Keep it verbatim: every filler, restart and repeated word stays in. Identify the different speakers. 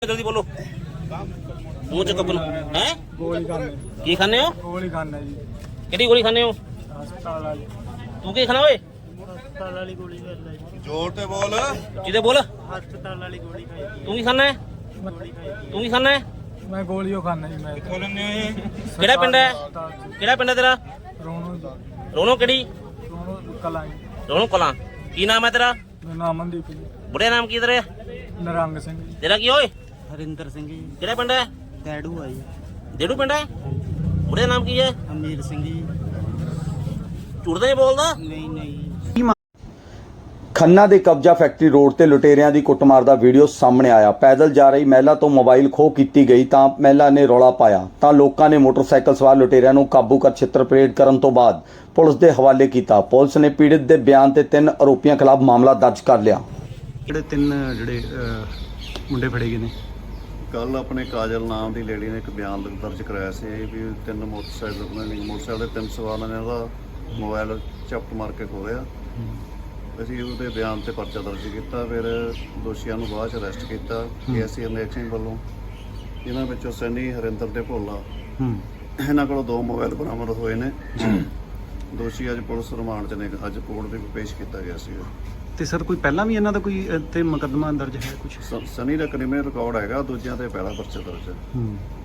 Speaker 1: जल्दी बोलो मुंह च कपन है
Speaker 2: गोली खाने
Speaker 1: की खाने हो
Speaker 2: गोली खाने जी
Speaker 1: किहड़ी गोली खाने हो
Speaker 2: हस्पताल वाली
Speaker 1: तू की खाना ओए
Speaker 2: हस्पताल वाली गोली खाई
Speaker 3: जोर ते बोल
Speaker 1: जिदे बोल
Speaker 2: हस्पताल वाली गोली खाई
Speaker 1: तू की खाना है तू की खाना है
Speaker 2: मैं गोलियों खाना जी मैं
Speaker 1: केड़ा पिंड है केड़ा पिंड है तेरा
Speaker 2: रोनो
Speaker 1: रोनो केड़ी
Speaker 2: रोनो कला
Speaker 1: रोनो कलां की नाम है तेरा
Speaker 2: मेरा नाम अमनदीप जी
Speaker 1: बुढ़े नाम की तेरे
Speaker 2: नरंग सिंह जी
Speaker 1: तेरा की ओए
Speaker 2: हरिंदर सिंह जी
Speaker 1: केड़ा पिंड है
Speaker 2: डैडू आई
Speaker 1: डेडू पिंड है बुढ़े नाम की है
Speaker 2: अमीर सिंह जी
Speaker 1: झूठ तो नहीं बोलदा
Speaker 2: नहीं नहीं
Speaker 4: ਖੰਨਾ ਦੇ ਕਬਜ਼ਾ ਫੈਕਟਰੀ ਰੋਡ ਤੇ ਲੁਟੇਰਿਆਂ ਦੀ ਕੁੱਟਮਾਰ ਦਾ ਵੀਡੀਓ ਸਾਹਮਣੇ ਆਇਆ। ਪੈਦਲ ਜਾ ਰਹੀ ਮਹਿਲਾ ਤੋਂ ਮੋਬਾਈਲ ਖੋਹ ਕੀਤੀ ਗਈ ਤਾਂ ਮਹਿਲਾ ਨੇ ਰੌਲਾ ਪਾਇਆ ਤਾਂ ਲੋਕਾਂ ਨੇ ਮੋਟਰਸਾਈਕਲ ਸਵਾਰ ਲੁਟੇਰਿਆਂ ਨੂੰ ਕਾਬੂ ਕਰ ਛਿੱਤਰ ਪਰੇਡ ਕਰਨ ਤੋਂ ਬਾਅਦ ਪੁਲਿਸ ਦੇ ਹਵਾਲੇ ਕੀਤਾ। ਪੁਲਿਸ ਨੇ ਪੀੜਤ ਦੇ ਬਿਆਨ ਤੇ ਤਿੰਨ ਆਰੋਪੀਆਂ ਖਿਲਾਫ ਮਾਮਲਾ ਦਰਜ ਕਰ ਲਿਆ।
Speaker 5: ਜਿਹੜੇ ਤਿੰਨ ਜਿਹੜੇ ਮੁੰਡੇ ਫੜੇ ਗਏ ਨੇ
Speaker 3: ਕੱਲ ਆਪਣੇ ਕਾਜਲ ਨਾਮ ਦੀ ਲੇਡੀ ਨੇ ਇੱਕ ਬਿਆਨ ਦਰਜ ਕਰਾਇਆ ਸੀ ਵੀ ਤਿੰਨ ਮੋਟਰਸਾਈਕਲ ਨੇ ਮੋਟਰਸਾਈਕਲ ਦੇ ਤਿੰਨ ਸਵਾਰਾਂ ਨੇ ਉਹਦਾ ਮੋਬਾਈਲ ਚਪਟ ਮਾਰ ਕੇ ਖੋਹਿਆ। ਅਸੀਂ ਉਹਦੇ ਬਿਆਨ ਤੇ ਪਰਚਾ ਦਰਜ ਕੀਤਾ, ਫਿਰ ਦੋਸ਼ੀਆਂ ਨੂੰ ਬਾਅਦ ਚ ਅਰੈਸਟ ਕੀਤਾ ਏਐਸਆਈ ਅਮਰੀਕ ਸਿੰਘ ਵੱਲੋਂ। ਇਹਨਾਂ ਵਿੱਚੋਂ ਸੈਣੀ ਹਰਿੰਦਰ ਤੇ ਭੋਲਾ ਇਹਨਾਂ ਕੋਲੋਂ ਦੋ ਮੋਬਾਈਲ ਬਰਾਮਦ ਹੋਏ ਨੇ। ਦੋਸ਼ੀ ਅੱਜ ਪੁਲਿਸ ਰਿਮਾਂਡ 'ਚ ਨੇ, ਅੱਜ ਕੋਰਟ ਦੇ ਵਿੱਚ ਪੇਸ਼ ਕੀਤਾ ਗਿਆ ਸੀ।
Speaker 5: ਤੇ ਸਰ ਕੋਈ ਪਹਿਲਾਂ ਵੀ ਇਹਨਾਂ ਦਾ ਕੋਈ ਤੇ ਮੁਕੱਦਮਾ ਦਰਜ ਹੈ ਕੁਝ?
Speaker 3: ਸਨੀ ਦਾ ਕ੍ਰਿਮੀਨਲ ਰਿਕਾਰਡ ਹੈਗਾ, ਦੂਜਿਆਂ ਤੇ ਪਹਿਲਾ ਪਰਚਾ ਦਰਜ ਹੈ।